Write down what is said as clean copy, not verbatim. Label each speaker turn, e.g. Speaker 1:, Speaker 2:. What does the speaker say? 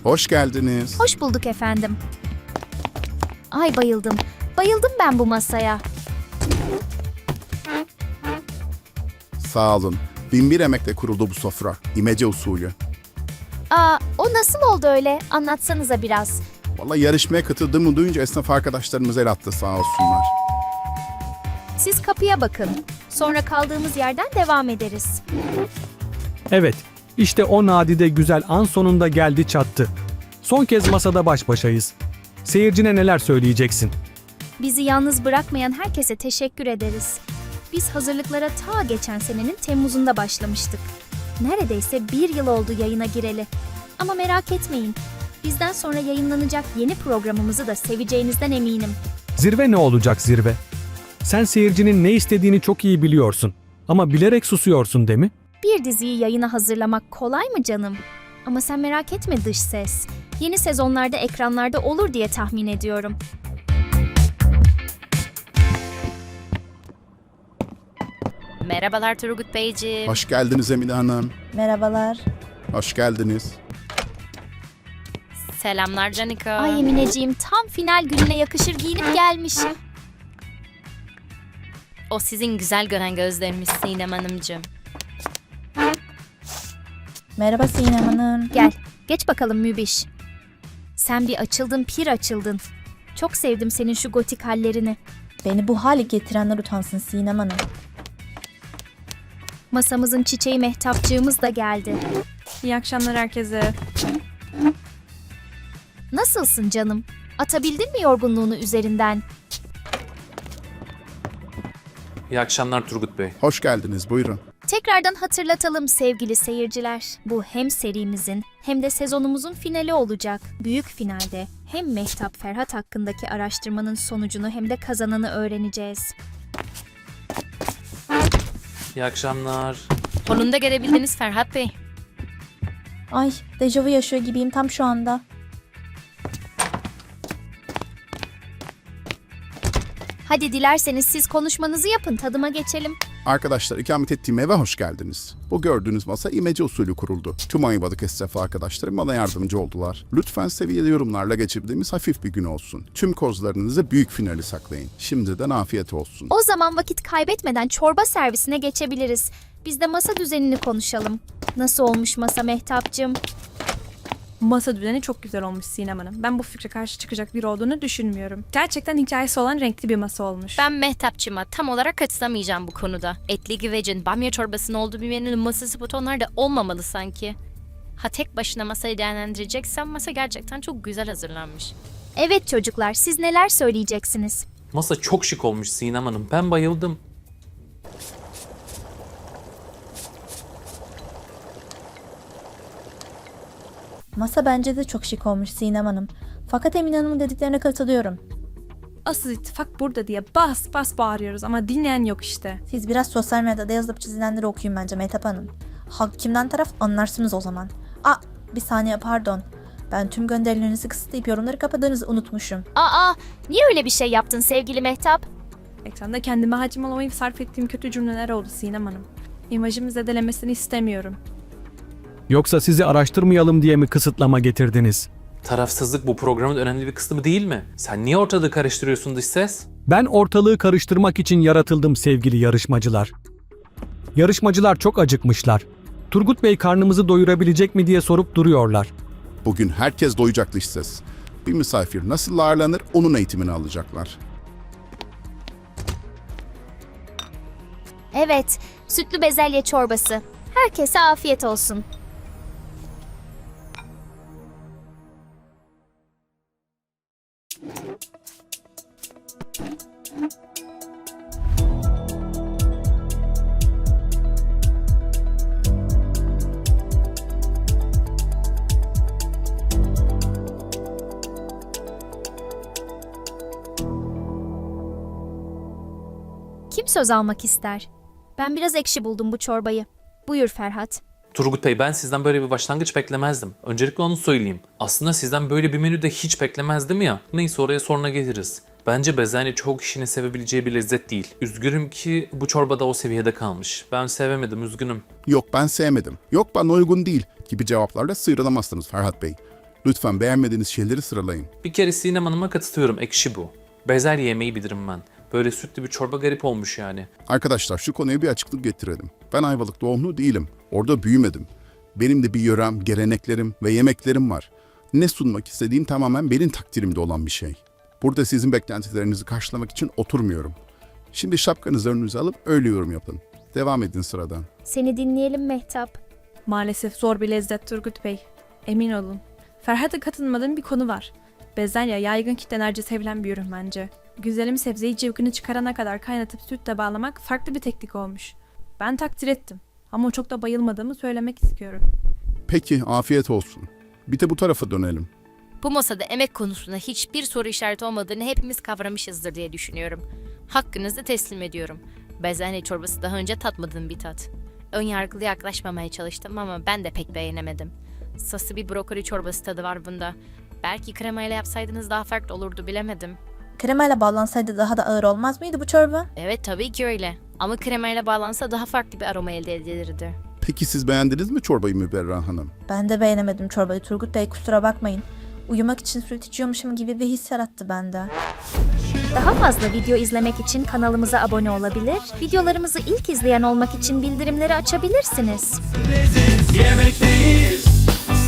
Speaker 1: Hoş geldiniz.
Speaker 2: Hoş bulduk efendim. Ay bayıldım. Bayıldım ben bu masaya.
Speaker 1: Sağ olun. 1001 emekle kuruldu bu sofra. İmece usulü.
Speaker 2: O nasıl oldu öyle? Anlatsanıza biraz.
Speaker 1: Vallahi yarışmaya katıldığımı duyunca esnaf arkadaşlarımız el attı sağ olsunlar.
Speaker 2: Siz kapıya bakın. Sonra kaldığımız yerden devam ederiz.
Speaker 3: Evet, işte o nadide güzel an sonunda geldi çattı. Son kez masada baş başayız. Seyircine neler söyleyeceksin?
Speaker 2: Bizi yalnız bırakmayan herkese teşekkür ederiz. Biz hazırlıklara ta geçen senenin Temmuz'unda başlamıştık. Neredeyse 1 yıl oldu yayına gireli. Ama merak etmeyin. Bizden sonra yayınlanacak yeni programımızı da seveceğinizden eminim.
Speaker 3: Zirve ne olacak zirve? Sen seyircinin ne istediğini çok iyi biliyorsun. Ama bilerek susuyorsun değil mi?
Speaker 2: Bir diziyi yayına hazırlamak kolay mı canım? Ama sen merak etme dış ses. Yeni sezonlarda ekranlarda olur diye tahmin ediyorum.
Speaker 4: Merhabalar Turgut Beyciğim.
Speaker 1: Hoş geldiniz Emine Hanım.
Speaker 5: Merhabalar.
Speaker 1: Hoş geldiniz.
Speaker 4: Selamlar Canika.
Speaker 2: Ay Emineciğim tam final gününe yakışır giyinip gelmiş.
Speaker 4: O sizin güzel gören gözleriniz Sinem Hanımcığım.
Speaker 5: Merhaba Sinem Hanım.
Speaker 2: Gel, geç bakalım Mübiş. Sen bir açıldın, pir açıldın. Çok sevdim senin şu gotik hallerini.
Speaker 5: Beni bu hale getirenler utansın Sinem Hanım.
Speaker 2: Masamızın çiçeği Mehtapçığımız da geldi.
Speaker 6: İyi akşamlar herkese.
Speaker 2: Nasılsın canım? Atabildin mi yorgunluğunu üzerinden?
Speaker 7: İyi akşamlar Turgut Bey.
Speaker 1: Hoş geldiniz. Buyurun.
Speaker 2: Tekrardan hatırlatalım sevgili seyirciler. Bu hem serimizin hem de sezonumuzun finali olacak. Büyük finalde hem Mehtap Ferhat hakkındaki araştırmanın sonucunu hem de kazananı öğreneceğiz.
Speaker 7: İyi akşamlar.
Speaker 4: Sonunda gelebildiniz Ferhat Bey.
Speaker 5: Ay, dejavu yaşıyor gibiyim tam şu anda.
Speaker 2: Hadi dilerseniz siz konuşmanızı yapın, tadıma geçelim.
Speaker 1: Arkadaşlar ikamet ettiğim eve hoş geldiniz. Bu gördüğünüz masa imece usulü kuruldu. Tüm Ayvalık esnafı arkadaşlarım bana yardımcı oldular. Lütfen seviyeli yorumlarla geçirdiğimiz hafif bir gün olsun. Tüm kozlarınızı büyük finali saklayın. Şimdiden afiyet olsun.
Speaker 2: O zaman vakit kaybetmeden çorba servisine geçebiliriz. Biz de masa düzenini konuşalım. Nasıl olmuş masa Mehtapcığım?
Speaker 6: Masa düzeni çok güzel olmuş Sinem Hanım. Ben bu fikre karşı çıkacak biri olduğunu düşünmüyorum. Gerçekten hikayesi olan renkli bir masa olmuş.
Speaker 4: Ben Mehtapçıma tam olarak katılamayacağım bu konuda. Etli güvecin, bamya çorbasının olduğu bir menünün masası butonlarda olmamalı sanki. Ha tek başına masayı değerlendireceksen masa gerçekten çok güzel hazırlanmış.
Speaker 2: Evet çocuklar, siz neler söyleyeceksiniz?
Speaker 7: Masa çok şık olmuş Sinem Hanım. Ben bayıldım.
Speaker 5: Masa bence de çok şık olmuş Sinem Hanım. Fakat Emine Hanım'ın dediklerine katılıyorum.
Speaker 6: Asıl ittifak burada diye bas bas bağırıyoruz ama dinleyen yok işte.
Speaker 5: Siz biraz sosyal medyada yazılıp çizilenleri okuyun bence Mehtap Hanım. Halk kimden taraf anlarsınız o zaman. Bir saniye pardon. Ben tüm gönderilerinizi kısıtlayıp yorumları kapadığınızı unutmuşum.
Speaker 2: Niye öyle bir şey yaptın sevgili Mehtap?
Speaker 6: Ekranda kendime hakim olamayıp sarf ettiğim kötü cümleler oldu Sinem Hanım. İmajımı zedelemesini istemiyorum.
Speaker 3: Yoksa sizi araştırmayalım diye mi kısıtlama getirdiniz?
Speaker 7: Tarafsızlık bu programın önemli bir kısmı değil mi? Sen niye ortalığı karıştırıyorsun dış ses?
Speaker 3: Ben ortalığı karıştırmak için yaratıldım sevgili yarışmacılar. Yarışmacılar çok acıkmışlar. Turgut Bey karnımızı doyurabilecek mi diye sorup duruyorlar.
Speaker 1: Bugün herkes doyacak dış ses. Bir misafir nasıl ağırlanır onun eğitimini alacaklar.
Speaker 2: Evet, sütlü bezelye çorbası. Herkese afiyet olsun. Kim söz almak ister? Ben biraz ekşi buldum bu çorbayı. Buyur Ferhat.
Speaker 7: Turgut Bey, ben sizden böyle bir başlangıç beklemezdim. Öncelikle onu söyleyeyim. Aslında sizden böyle bir menü de hiç beklemezdim ya. Neyse, oraya sonra geliriz. Bence bezelye çoğu kişinin sevebileceği bir lezzet değil. Üzgünüm ki bu çorbada o seviyede kalmış. Ben sevemedim, üzgünüm.
Speaker 1: Yok ben sevmedim. Yok bana uygun değil gibi cevaplarla sıyrılamazsınız Ferhat Bey. Lütfen beğenmediğiniz şeyleri sıralayın.
Speaker 7: Bir kere Sinem Hanım'a katılıyorum, ekşi bu. Bezelye yemeği bilirim ben. Böyle sütlü bir çorba garip olmuş yani.
Speaker 1: Arkadaşlar şu konuya bir açıklık getirelim. Ben Ayvalık doğumlu değilim. Orada büyümedim. Benim de bir yörem, geleneklerim ve yemeklerim var. Ne sunmak istediğim tamamen benim takdirimde olan bir şey. Burada sizin beklentilerinizi karşılamak için oturmuyorum. Şimdi şapkanızı önünüze alıp öyle yorum yapın. Devam edin sıradan.
Speaker 2: Seni dinleyelim Mehtap.
Speaker 6: Maalesef zor bir lezzet Turgut Bey. Emin olun. Ferhat'a katılmadığım bir konu var. Bezelye yaygın kitlelerce sevilen bir ürün bence. Güzelim sebzeyi cıvkını çıkarana kadar kaynatıp sütle bağlamak farklı bir teknik olmuş. Ben takdir ettim. Ama çok da bayılmadığımı söylemek istiyorum.
Speaker 1: Peki, afiyet olsun. Bir de bu tarafa dönelim.
Speaker 4: Bu masada emek konusunda hiçbir soru işareti olmadığını hepimiz kavramışızdır diye düşünüyorum. Hakkınızı teslim ediyorum. Bezelye çorbası daha önce tatmadığım bir tat. Önyargılı yaklaşmamaya çalıştım ama ben de pek beğenemedim. Sası bir brokoli çorbası tadı var bunda. Belki kremayla yapsaydınız daha farklı olurdu, bilemedim.
Speaker 5: Kremayla bağlansaydı daha da ağır olmaz mıydı bu çorba?
Speaker 4: Evet, tabii ki öyle. Ama kremayla bağlansa daha farklı bir aroma elde edilirdi.
Speaker 1: Peki siz beğendiniz mi çorbayı Müberra Hanım?
Speaker 5: Ben de beğenemedim çorbayı Turgut Bey, kusura bakmayın. Uyumak için süt içiyormuşum gibi bir his yarattı bende.
Speaker 2: Daha fazla video izlemek için kanalımıza abone olabilir, videolarımızı ilk izleyen olmak için bildirimleri açabilirsiniz.
Speaker 8: Yemekteyiz.